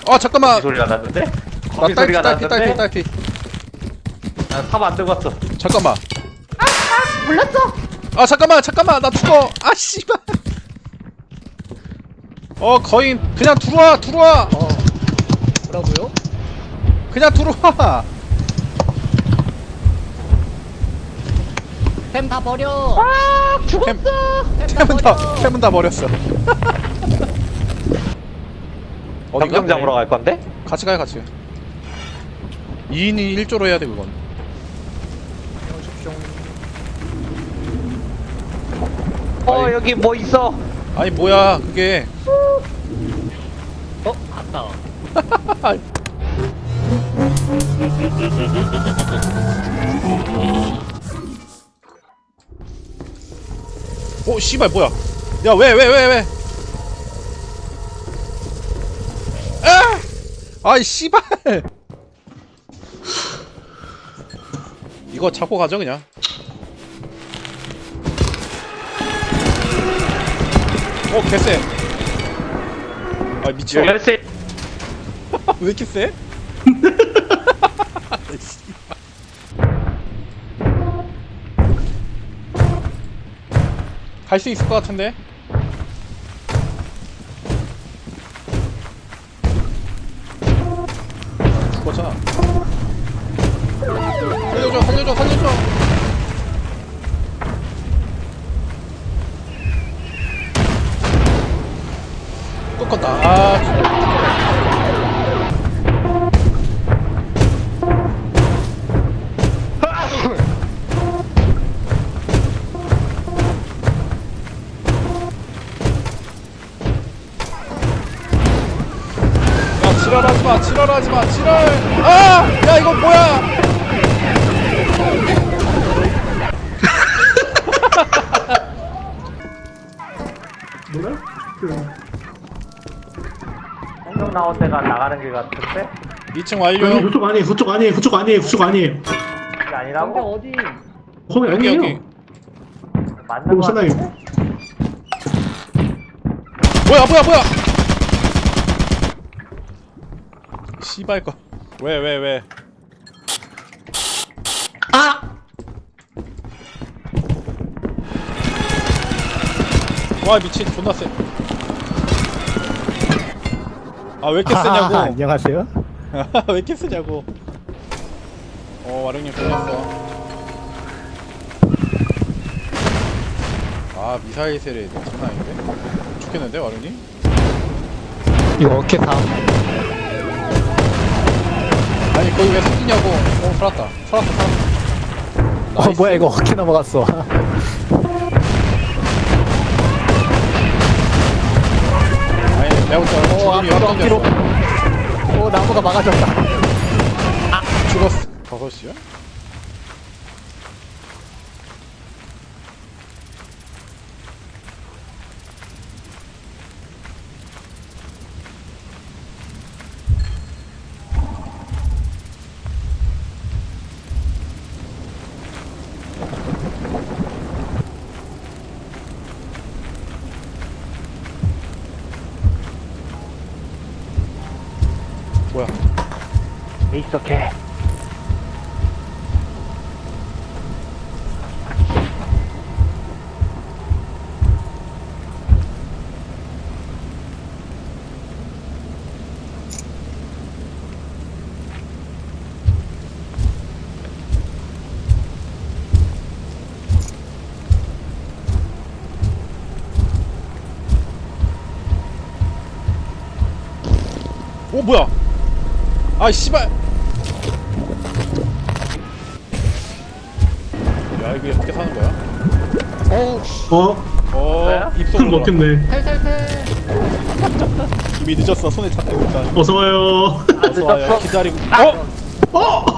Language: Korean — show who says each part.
Speaker 1: 아 잠깐만.
Speaker 2: 소리가 났는데?
Speaker 1: 나
Speaker 2: 거미 소리가 났는데?
Speaker 1: 딸피.
Speaker 2: 탑안 들고 왔어.
Speaker 1: 잠깐만.
Speaker 3: 몰랐어.
Speaker 1: 아 잠깐만 나 죽어. 아 씨발. 거인 그냥 들어와.
Speaker 3: 뭐라고요?
Speaker 1: 그냥 들어와.
Speaker 3: 템 다 버려. 아 죽었어.
Speaker 1: 템은 다 버렸어. 어디가?
Speaker 2: 점점 잡으러 갈 건데?
Speaker 1: 같이 가요 같이. 2인이 1조로 해야 돼 그건. 아니.
Speaker 2: 여기 뭐 있어?
Speaker 1: 아니 뭐야 그게.
Speaker 3: 갔다.
Speaker 1: 오 씨발 뭐야? 야 왜? 아! 아이 씨발. 이거 잡고 가죠 그냥. 개쎄. 아 미쳐.
Speaker 2: 열쇠.
Speaker 1: 왜 이렇게 쎄? 갈 수 있을 것 같은데? 죽었잖아. 살려줘. 또 컸다. 지랄하지마 지랄. 야 이거 뭐야.
Speaker 4: 뭐야?
Speaker 2: 공룡 나온 데가 나가는 길 같은데?
Speaker 1: 2층
Speaker 4: 아니
Speaker 1: 완료.
Speaker 4: 그쪽 아니에요.
Speaker 2: 이게 아니라고?
Speaker 3: 어디?
Speaker 4: 거기
Speaker 1: 여기
Speaker 4: 아니에요.
Speaker 2: 맞는
Speaker 4: 그럼
Speaker 2: 거
Speaker 4: 사나이.
Speaker 2: 같은데?
Speaker 1: 뭐야. 씨발 거. 왜? 와 미친 존나 쎄. 왜 이렇게 세냐고.
Speaker 5: 안녕하세요.
Speaker 1: 왜 이렇게 세냐고. 와룡님 끝났어. 미사일 세례 장난 아닌데? 죽겠는데 와룡님?
Speaker 5: 이거 어깨 다.
Speaker 1: 아니 거기 왜 숨기냐고. 살았다. 나이스.
Speaker 5: 뭐야 이거 어깨 넘어갔어.
Speaker 1: 아니 내가 볼때 죽음이
Speaker 5: 앞뒤로.
Speaker 1: 역전됐어.
Speaker 5: 나무가 막아졌다.
Speaker 1: 죽었어. 5시야? 뭐야?
Speaker 2: 있어 개.
Speaker 1: 뭐야? 씨발. 야 이거 어떻게 사는 거야? 입속
Speaker 4: 술 먹겠네.
Speaker 3: 탈탈탈.
Speaker 1: 이미 늦었어. 손에 잡히고 있다.
Speaker 4: 어서 와요.
Speaker 1: 어서 와요. 기다리고.
Speaker 4: 어?